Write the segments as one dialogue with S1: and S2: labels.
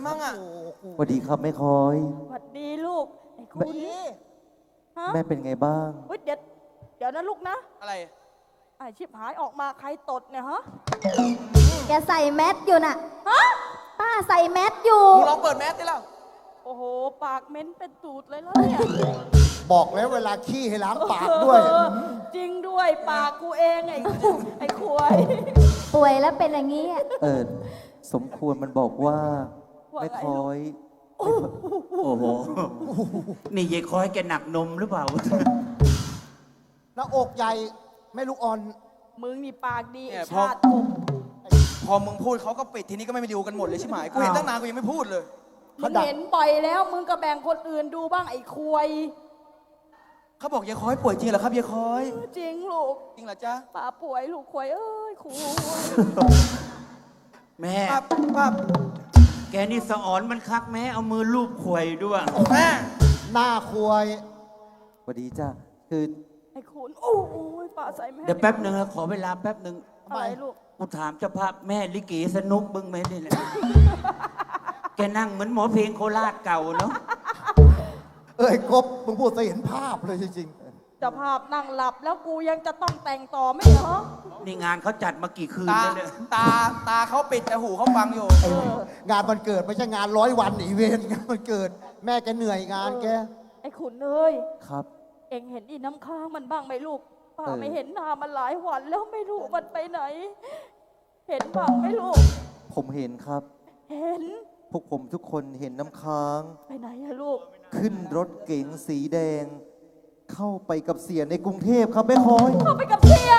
S1: มั่งอ่ะ
S2: สวัสดีครับแม่คอย
S3: สวัสดีลูกไอ้คุณฮะ
S2: แม่เป็นไงบ้าง
S3: เฮ้ยเดี๋ยวนะลูกนะ
S1: อะไร
S3: ไอ้ชิบหายออกมาใครตดเนี่ยฮะ
S4: แกใส่แมสอยู่น่ะ
S3: ฮะ
S4: ป้าใส่แมสอยู่
S1: มึงลองเปิดแมสดิแล้ว
S3: โอ้โหปากเหม็นเป็นตูดเลยแล้วเนี่ย
S5: บอกแล้วเวลาขี้ให้ล้างปากด้วย
S3: เออจริงด้วยปากกูเองไอ้ควาย
S4: ป่วยแล้วเป็นอย่างนี้อะ
S2: สมควรมันบอกว่า
S3: ว่าไง
S2: แม่คอย
S6: โอ้โห นี่ยายคอยแกหนักนมหรือเปล่า
S5: หน้าอกใหญ่แม่ลูกอ่อน
S3: มึงนี่ปากดี
S1: เนี่ย
S3: ไอ้ชาติกบ
S1: พอมึงพูดเขาก็ปิดทีนี้ก็ไม่ดูกันหมดเลยใช่ไหมกูเห็นตั้งนานกูยังไม่พูดเลย
S3: มึงเห็นบ่อยแล้วมึงก็แบ่งคนอื่นดูบ้างไอ้ควาย
S1: เขาบอกยายคอยป่วยจริงเหรอครับยายคอย
S3: จริงลูก
S1: จริงเหรอจ๊ะ
S3: ป้าป่วยลูกควายเอ้ยควาย
S6: แม่
S1: ปั๊บปั๊บ
S6: แกนี่สะอ่อนมันคักแม่เอามือลูบขวยด้วย
S1: แม่
S5: หน้าควาย
S2: สวัสดีจ้าคือ
S3: ไอ้คุณโอ้ยป้าใส่แม่
S6: เดี๋ยวแป๊บหนึ่งนะขอเวลาแป๊บหนึ่ง
S3: อะไรลูก
S6: กูถามเจ้าภาพแม่ลิเกสนุกบึ้งไหมนี่แหละ แกนั่งเหมือนหมอเพลงโคราชเก่าเนาะ
S5: เอ้ยกบมึงพูดซะเห็นภาพเลยจริง
S3: เจ้าภาพนั่งหลับแล้วกูยังจะต้องแต่งต่อไม่เหรอ
S6: นี่งานเขาจัดมากี่คืน
S1: ตา
S6: แล้วเนี่ย
S1: ตาเขาปิดแต่หูเขาฟังอยู่
S5: ๆไอ้งานวันเกิดไม่ใช่งาน100 วันอีเวนต์งานวันเกิด แม่แกเหนื่อยงานแก
S3: ไอ้ขุนเอ้ย
S2: ครับ
S3: เอ็งเห็นอีน้ำค้างมันบ้างไหมลูกป้า
S2: เออ
S3: ไม่เห็นหน้ามันหลายวันแล้วไม่รู้มันไปไหน เห็นบ้างไหมลูก
S2: ผมเห็นครับ
S3: เห็น
S2: พวกผมทุกคนเห็นน้ำค้าง
S3: ไปไหนอะลูก
S2: ขึ้นรถเก๋งสีแดง เข้าไปกับเสียในกรุงเทพครับแม่คอย
S3: เข้าไปกับเสีย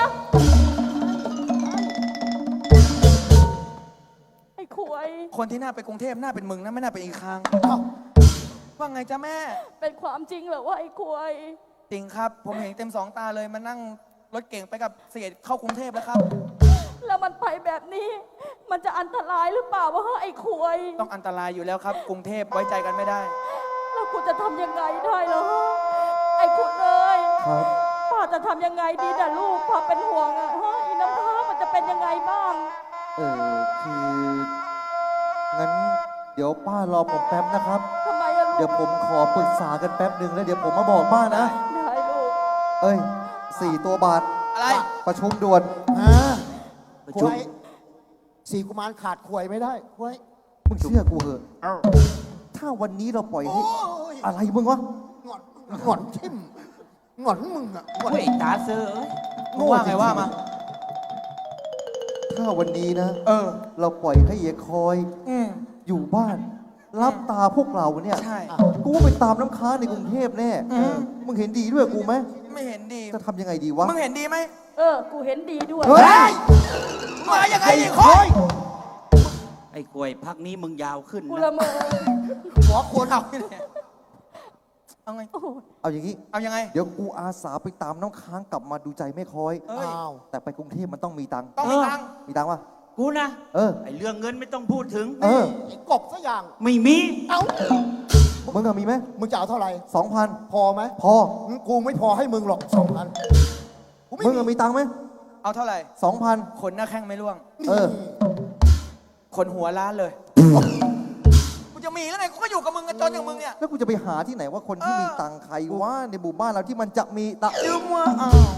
S3: ไอ้ขวย
S1: คนที่หน้าไปกรุงเทพหน้าเป็นมึงนะไม่น่าเป็นอีกครั้ง
S5: เอ้า
S1: ว่าไงจ๊ะแม่
S3: เป็นความจริงเหรอว่าไอ้ขวย
S1: จริงครับ ผมเห็นเต็มสองตาเลยมานั่งรถเก่งไปกับเสียเข้ากรุงเทพแล้วครับ
S3: แล้วมันไปแบบนี้ มันจะอันตรายหรือเปล่าวะไอ้ขวย
S1: ต้องอันตรายอยู่แล้วครับ กรุงเทพไว้ใจกันไม่ได้
S3: แล้วกูจะทำยังไงได้เหรอไอ้ขุนเอ้ย
S2: ครับ
S3: ป้าจะทำยังไงดีน่ะลูกป้าเป็นห่วงอะฮะอีน้ำค้างมันจะเป็นยังไงบ้าง
S2: คืองั้นเดี๋ยวป้ารอผมแป๊บนะครับ
S3: ทำไมอะลูก
S2: เดี๋ยวผมขอปรึกษากันแป๊บหนึ่งแล้วเดี๋ยวผมมาบอกป้านะ
S3: ได้ลูก
S2: เอ้ย4 ตัวบาท
S1: อะไร
S2: ประชุมด่วน
S5: ฮะ
S6: ประ
S5: ค
S6: ชุม
S5: วายสี่กุมารขาดควายไม่ได้ควาย
S2: มึงเชื่อกูเหอะ
S5: เอ้า
S2: ถ้าวันนี้เราปล่อย
S5: โอ้
S2: ให้
S5: ย
S2: อะไรมึงวะ
S5: งอนงอนทิ่มงอนมึงอะงอน
S6: เฮ้ยตาเซอร์เอ้ย
S1: มึงว่าไงว่ามา
S2: ถ้าวันนี้นะ
S1: เออ
S2: เราปล่อยให้เยคอย
S1: อืม
S2: อยู่บ้าน รับตาพวกเราเนี่ย
S1: ใช่
S2: กูไปตามน้ำค้างในกรุงเทพแน่
S1: อืม
S2: มึงเห็นดีด้วยกูไหม
S1: ไม่เห็นดี
S2: จะทำยังไงดีวะ
S1: มึงเห็นดีไหม
S3: กูเห็นดีด้วย
S2: เฮ้ย
S1: มายังไงอีกคน
S6: ไอ้กล้วยพักนี้มึงยาวขึ้น
S3: กู
S6: นะ
S3: ละเมอ
S5: หัวควร
S1: เอาเนี่ยเอาไง
S3: โอ้โห
S2: เอาอย่างนี้
S1: เอายังไง
S2: เดี๋ยวกูอาสาไปตามน้ำค้างกลับมาดูใจแม่คอย
S1: เอ้ย
S5: อ้าว
S2: แต่ไปกรุงเทพมันต้องมีตังค์
S1: ต้องมีตังค์
S2: มีตังค์ปะ
S6: กูนะ
S2: เออ
S6: ไอ้เรื่องเงินไม่ต้องพูดถึง
S2: เออ
S5: ไอ้กบซะอย่าง
S6: ไม่มี
S5: เอ้า
S2: มึงอะมีไหม
S5: มึงจะเอาเท่าไหร่
S2: 2,000
S5: พอไหม
S2: พอ
S5: กูไม่พอให้มึงหรอก2,000กูไม่
S2: มึงอะมีตังค์ไหม
S1: เอาเท่าไหร่
S2: 2,000
S1: ขนหน้าแข้งไม่ร่วง
S2: เออ
S1: ขนหัวล้านเลยกูจะมีแล้วไงกูก็อยู่กับมึงกันจนอย่างมึงเนี่ย
S2: แล้วกูจะไปหาที่ไหนว่าคนที่มีตังค์ใครว่าในหมู่บ้านเราที่มันจะมีตังค์
S1: ยืมว่าอ้าว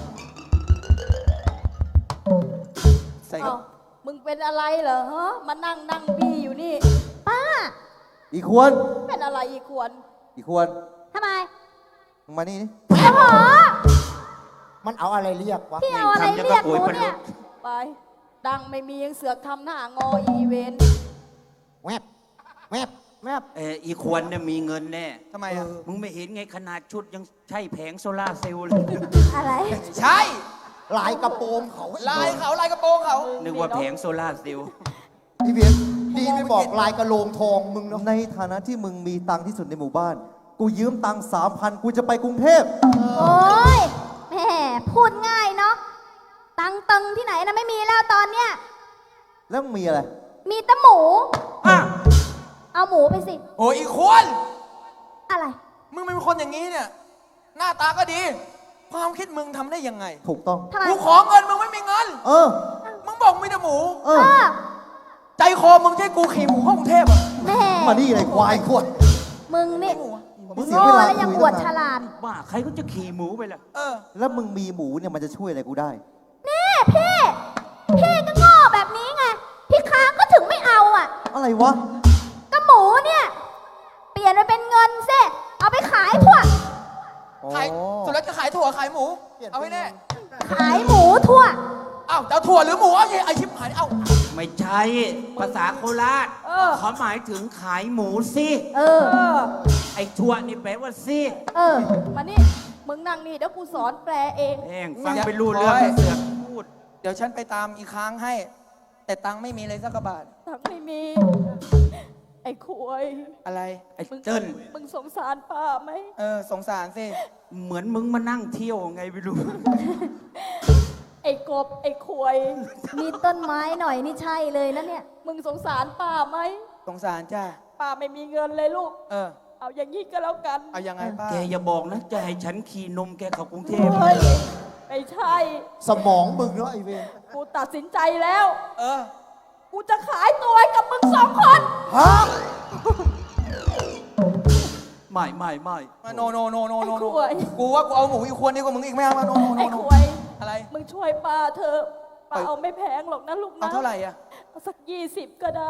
S1: ใส่กั
S3: เอ้า
S1: บ
S3: มึงเป็นอะไรเหรอฮะมานั่งบี้อยู่นี่
S4: ป้า
S2: อีควร
S3: เป็นอะไรอีกควร
S2: อีควร
S4: ทำไม
S2: มึงมานี่ดิ
S4: โอ้โห
S5: มันเอาอะไรเรียกวะ
S4: พี่เอาอะไรเรียกหนูเนี่ย
S3: ไป ดังไม่มียังเสือกทำหน้างออีเวนต์
S5: แวบแวบแวบ
S6: อีควรเนี่ยมีเงินแน่
S1: ทำไมอ่ะ
S6: มึงไม่เห็นไงขนาดชุดยังใช่แผงโซล่าร์เซลล์เลย
S4: อะไร
S1: ใช่
S5: ลายกระโปรงเขา
S1: ลายเขาลายกระโปรงเขา
S6: นึกว่าแผงโซล่าร์เซลล์
S5: พี่เวียนดีไม่บอกลายกระโลงทองมึงเนาะ
S2: ในฐานะที่มึงมีตังค์ที่สุดในหมู่บ้าน กูยืมตังค์3,000 กูจะไปกรุงเทพ
S4: โอ้ยแหมพูดง่ายเนาะ ตังค์ตึงที่ไหนนะไม่มีแล้วตอนเนี้ย
S2: แล้วมึงมีอะไร
S4: มีแต่หมู
S6: อ่ะ
S4: เอาหมูไปสิ
S1: โอ้ยอีกควร
S4: อะไร
S1: มึงเป็นคนอย่างนี้เนี่ย หน้าตาก็ดี ความคิดมึงทำได้ยังไง
S2: ถูกต้อง
S4: ทำไม
S1: กูขอเงินมึงไม่มีเงิน
S2: เออ
S1: มึงบอกมีแต่หมู
S2: เอ
S4: เอ
S2: อ
S4: อ
S1: ใจคอมึงจะให้กูขี่หมูเข้ากรุงเทพอ่ะ
S4: แหม
S5: มานี่เลยควายขวด
S4: มึงนี่
S2: มึงเสีย
S4: โง่
S2: เวลา
S4: แล้วยัง
S2: คุย
S4: อวด
S2: ตั้ง
S4: ฉ
S2: นาน
S4: ลาด
S6: บ้าใครก็จะขี่หมูไปล่ะ
S1: เออ
S2: แล้วมึงมีหมูเนี่ยมันจะช่วยอะไรกูได้
S4: นี่พี่ พี่ก็โง่แบบนี้ไง พี่ค้างก็ถึงไม่เอาอ่ะ
S2: อะไรวะ
S4: ก็หมูเนี่ย เปลี่ยนไปเป็นเงินสิเอาไปขายถั่ว
S1: ขายสุดแล้วจะขายถั่วขายหมู เอาให้แน่
S4: ขายหมูถั่ว
S1: เอ้าจะเอาถั่วหรือหมูเอาไอ้ชิบหายเอ้า
S6: ไม่ใช่ภาษาโคราช
S3: เออ
S6: เขาหมายถึงขายหมูสิ
S4: เออ
S6: ไอ้ทั่วนี่แปลว่าสิ
S4: เออ
S3: มานี่ มึงนั่งนี่เดี๋ยวกูสอนแปลเอง
S6: แม่งฟังไปรู้เรื่อง
S1: โอ้ย
S6: เสือกพูด
S1: เดี๋ยวฉันไปตามอีกครั้งให้ แต่ตังค์ไม่มีเลยสักกระบาท
S3: ทักไม่มี ไอ้คุย
S1: อะไร
S6: ไอ้เติ้ล
S3: มึงสงสารป้าไหม
S1: เออ สงสารสิ
S6: เหมือนมึงมานั่งเที่ยวไงไม่รู้
S3: ไอ้กบ ไอ้คุย
S4: มีต้นไม้หน่อยนี่ใช่เลยนะเนี่ย
S3: มึงสงสารป้าไหม
S1: สงสารจ้า
S3: ป้าไม่มีเงินเลยลูก
S1: เออ
S3: เอาอย่างนี้ก็แล้วกัน
S1: เอายังไงป้า
S6: แกอย่าบอกนะ จะให้ฉันขี่นมแกเข้ากรุงเทพ
S3: เฮ้ย ไม่ใช่
S5: สมองมึงเนาะไอเวน
S3: กูตัดสินใจแล้ว
S1: เออ
S3: กูจะขายตัวให้กับมึงสองคน
S5: ฮะ
S6: ไม่
S1: โนโนโนโนโน
S3: ไอ้
S1: โน
S3: ขวย
S1: กูว่ากูเอาหมูอีกควรดีกว่ามึงอีกไม่เอามาโนโนโน
S3: ไอ้
S1: โน
S3: ขวย
S1: อะไร
S3: มึงช่วยป้าเธอะป้า
S1: ไป
S3: เอาไม่แพงหรอกนะลูกนะ
S1: เอาเท่าไหร่อะ
S3: เอาสัก20 ก็ได้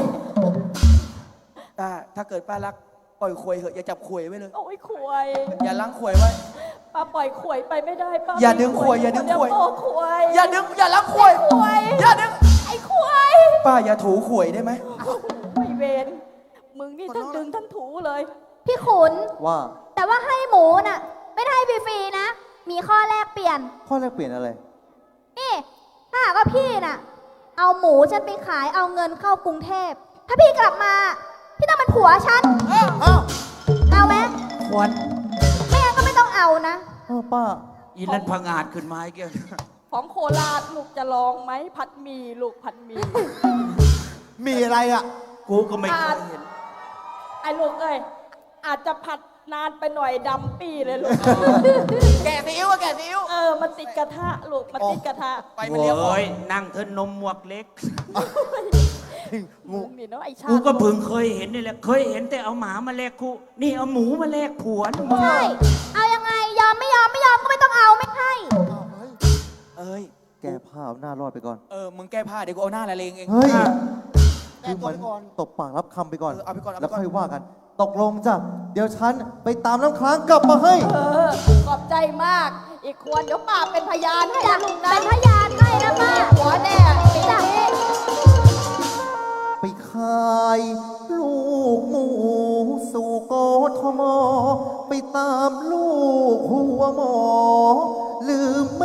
S1: ถ้าเกิดป้ารักปล่อยขวยเถอะอย่าจับขวยไว้เลย
S3: โอ้ยขวย
S1: อย่าล้างขวยไว้
S3: ป้าปล่อยขวยไปไม่ได้ป้า
S1: อย่าดึงขวยอย่าดึงขวย
S3: เดี๋โตขวย
S1: อย่าดึงอย่าล้างขวย
S3: ขวย
S1: อย่าดึง
S3: ไอ้ขวย
S1: ป้าอย่าถูขวยได้ไหม
S3: ไม่เวนมึงนี่ทั้งดึงทั้งถูเลย
S4: พี่ขุน
S2: ว่า
S4: แต่ว่าให้หมูน่ะ ไม่ได้ฟรีๆนะ มีข้อแลกเปลี่ยน
S2: ข้อแรกเปลี่ยนอะไร
S4: นี่ถ้าหากว่าพี่น่ะ เอาหมูฉันไปขายเอาเงินเข้ากรุงเทพ ถ้าพี่กลับมา พี่ต้องเป็นผัวฉัน
S5: อ้าว
S4: เอาไหม
S6: ควร
S4: ไม่งั้นก็ไม่ต้องเอานะ
S2: ป้า
S6: อีนั่นพังอาจขึ้นมาไอ้แก
S3: ของโคราชลูกจะลองไหมผัดหมี่ลูกผัดหมี่
S5: มีอะไรอ่ะ
S6: กูก็ไม่เคยเห็น
S3: ไอ้ลูกเอ้ยอาจจะผัดนานไปหน่อยดำปี้เลยลูก
S1: แกะซีอิ๊วอะแกะซีอิ๊ว
S3: มันติดกระทะลูกมันติดกระทะ
S1: ไปมันเลี้ยว
S6: โอ้ยนั่งเธอนมหมวกเล็ก
S3: มึงนี่เนาะไอ้ชา
S6: กู
S3: ติ
S6: ก็เพิ่งเคยเห็นนี่แหละ เคยเห็นแต่เอาหมามาแลกคู่ นี่เอาหมูมาแลกผัวนะมึง
S4: ใช่ เอายังไง ยอมไม่ยอมไม่ยอมก็ไม่ต้องเอาไม่ให้
S1: เอ้ย
S2: แกพาเอาหน้ารอดไปก่อน
S1: มึงแก้ผ้าเดี๋ยวกูเอาหน้าละเลงเอง
S2: เฮ้ย
S5: แก้
S2: คือ
S5: ตัว
S2: มัน
S5: ไปก่อน
S2: ตบปากรับคำไปก่อน
S1: เอาไปก่อนเอา
S2: แล้
S1: ไป
S2: ว
S1: ก่อน
S2: ค่อยว่ากัน ตกลงจ้ะ เดี๋ยวฉันไปตามน้ำค้างกลับมาให้
S3: ขอบใจมาก อีกควรเดี๋ยวป้าเป็นพยานให้
S4: จะ
S3: นะลูกนะ
S4: เป็นพยานให้นะป้า
S3: หัวแน่ปีนี้
S2: ไปขายลูกหมูสู่กทม ไปตามลูกหัวหมอ ลืมแม่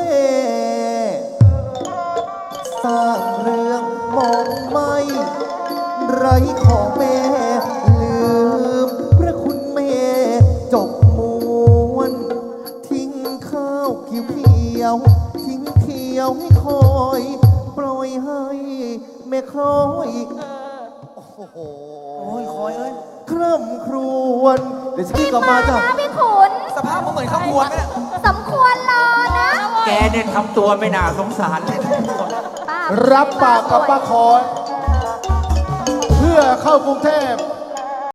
S2: สร้างเรื่องมองไม่ไรของแม่ ลืมพระคุณแม่จบมวน ทิ้งข้าวเขียวๆทิ้งเขียวให้คอย ปล่อยให้แม่คอย
S5: โอ้โห
S1: โอ้ยคอยเอ้ย
S2: คร่ำครวญเดี๋ยวฉันรีบกลับมาจ้ะ
S4: นะพี่ขุน
S1: สภาพมึงเหมือนข้าวครัวไหมเนี่ย
S4: สมควรรอนะ
S6: แกเนี่ยทำตัวไม่น่าสงสารเลย
S4: ป้า
S5: รับปากกับป้าคอนเพื่อเข้ากรุงเทพ